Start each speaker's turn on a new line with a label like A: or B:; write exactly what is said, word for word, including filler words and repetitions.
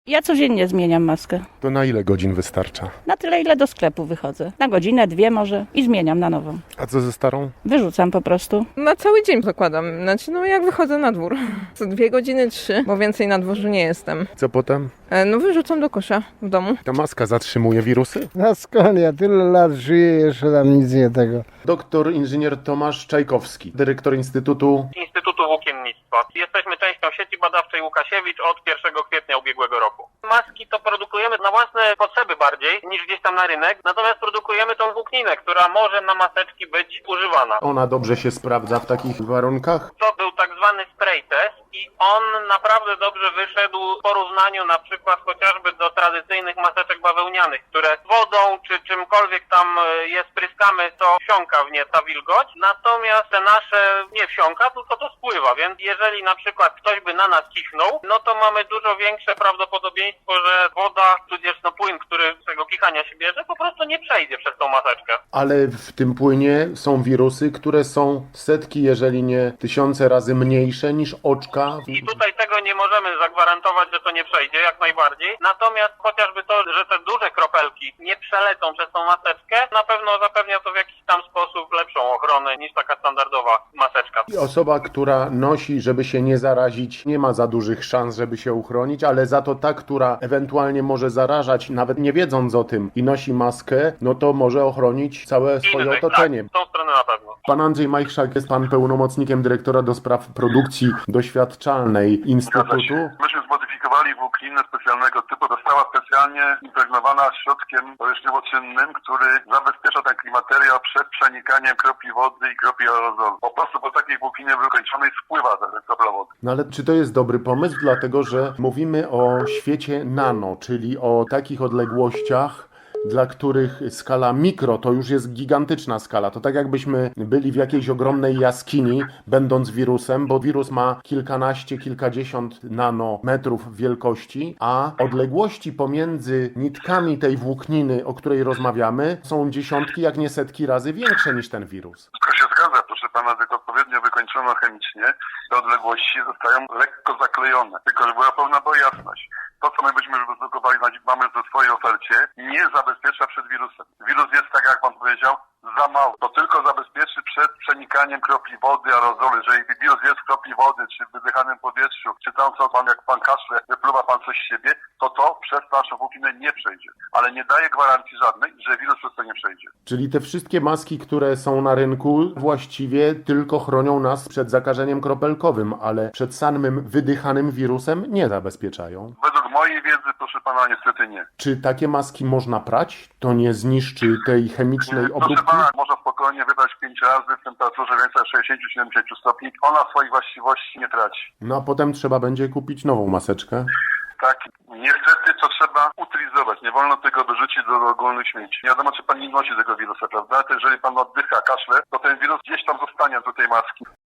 A: Ja codziennie zmieniam maskę.
B: To na ile godzin wystarcza?
A: Na tyle, ile do sklepu wychodzę. Na godzinę, dwie może i zmieniam na nową.
B: A co ze starą?
A: Wyrzucam po prostu.
C: Na cały dzień zakładam. Znaczy, no jak wychodzę na dwór. Co dwie godziny, trzy, bo więcej na dworzu nie jestem.
B: Co potem?
C: E, No wyrzucam do kosza w domu.
B: Ta maska zatrzymuje wirusy?
D: No skąd, ja tyle lat żyję, jeszcze tam nic nie tego.
B: Doktor inżynier Tomasz Czajkowski, dyrektor Instytutu.
E: Instytutu Włókiennictwa. Jesteśmy częścią sieci badawczej Łukasiewicz od pierwszego kwietnia ubiegłego roku. Maski to produkujemy na własne potrzeby bardziej niż gdzieś tam na rynek, natomiast produkujemy tą włókninę, która może na maseczki być używana.
B: Ona dobrze się sprawdza w takich warunkach?
E: To był tak zwany spray test i on naprawdę dobrze wyszedł w porównaniu na przykład chociażby do tradycyjnych maseczek bawełnianych, które wodą czy czymkolwiek tam je spryskamy, to wsiąka w nie ta wilgoć, natomiast te nasze nie wsiąka, tylko to spływa, więc jeżeli na przykład ktoś by na nas kichnął, no to mamy dużo większe prawdopodobieństwo, że woda, tudzież no płyn, który z tego kichania się bierze, po prostu nie przejdzie przez tą maseczkę.
B: Ale w tym płynie są wirusy, które są setki, jeżeli nie tysiące razy mniejsze niż oczka.
E: I tutaj tego nie możemy zagwarantować, że to nie przejdzie, jak najbardziej. Natomiast chociażby to, że te duże kropelki nie przelecą przez tą maseczkę, na pewno zapewnia to w jakiś tam sposób lepszą ochronę niż taka standardowa maseczka.
B: I osoba, która nosi, żeby się nie zarazić, nie ma za dużych szans, żeby się uchronić, ale za to ta, która ewentualnie może zarażać, nawet nie wiedząc o tym i nosi maskę, no to może ochronić całe swoje
E: Innych,
B: otoczenie.
E: tak, w tą stronę na pewno.
B: Pan Andrzej Majchrzak, jest pan pełnomocnikiem dyrektora do spraw produkcji doświadczalnej Instytutu.
F: Myśmy zmodyfikowali włókninę specjalnego typu. Została specjalnie impregnowana środkiem powierzchniowo-czynnym, który zabezpiecza ten klimateriał przed przenikaniem kropli wody i kropli aerozolu. Po prostu po takiej włókninie wykończonej spływa ta kropla wody.
B: No ale czy to jest dobry pomysł? Dlatego, że mówimy o świecie nano, czyli o takich odległościach, dla których skala mikro to już jest gigantyczna skala. To tak jakbyśmy byli w jakiejś ogromnej jaskini, będąc wirusem, bo wirus ma kilkanaście, kilkadziesiąt nanometrów wielkości, a odległości pomiędzy nitkami tej włókniny, o której rozmawiamy, są dziesiątki, jak nie setki razy większe niż ten wirus.
F: Wszystko się zgadza, proszę pana, tylko odpowiednio wykończono chemicznie. Te odległości zostają lekko zaklejone, tylko żeby była pełna była jasność. To, co my byśmy wyprodukowali, mamy w swojej ofercie, nie zabezpiecza przed wirusem. Wirus jest, tak jak pan powiedział, za mały. To tylko zabezpieczy przed przenikaniem kropli wody, aerozolu. Jeżeli wirus jest w kropli wody, czy w wydychanym powietrzu, czy tam co pan, jak pan kaszle, wypluwa pan coś z siebie, to to przez naszą włókninę nie przejdzie. Ale nie daje gwarancji żadnej, że wirus przez to nie przejdzie.
B: Czyli te wszystkie maski, które są na rynku, właściwie tylko chronią nas przed zakażeniem kropelkowym, ale przed samym wydychanym wirusem nie zabezpieczają.
F: Według mojej wiedzy, proszę pana, niestety nie.
B: Czy takie maski można prać? To nie zniszczy tej chemicznej
F: Proszę
B: obróbki?
F: pana, można spokojnie wybrać pięć razy w temperaturze więcej sześćdziesiąt do siedemdziesięciu stopni. Ona swoich właściwości nie traci.
B: No a potem trzeba będzie kupić nową maseczkę.
F: Tak, niestety to trzeba utylizować. Nie wolno tego wyrzucić do ogólnych śmieci. Nie wiadomo, czy pan nie nosi tego wirusa, prawda? To jeżeli pan oddycha, kaszle, to ten wirus gdzieś tam zostanie do tej maski.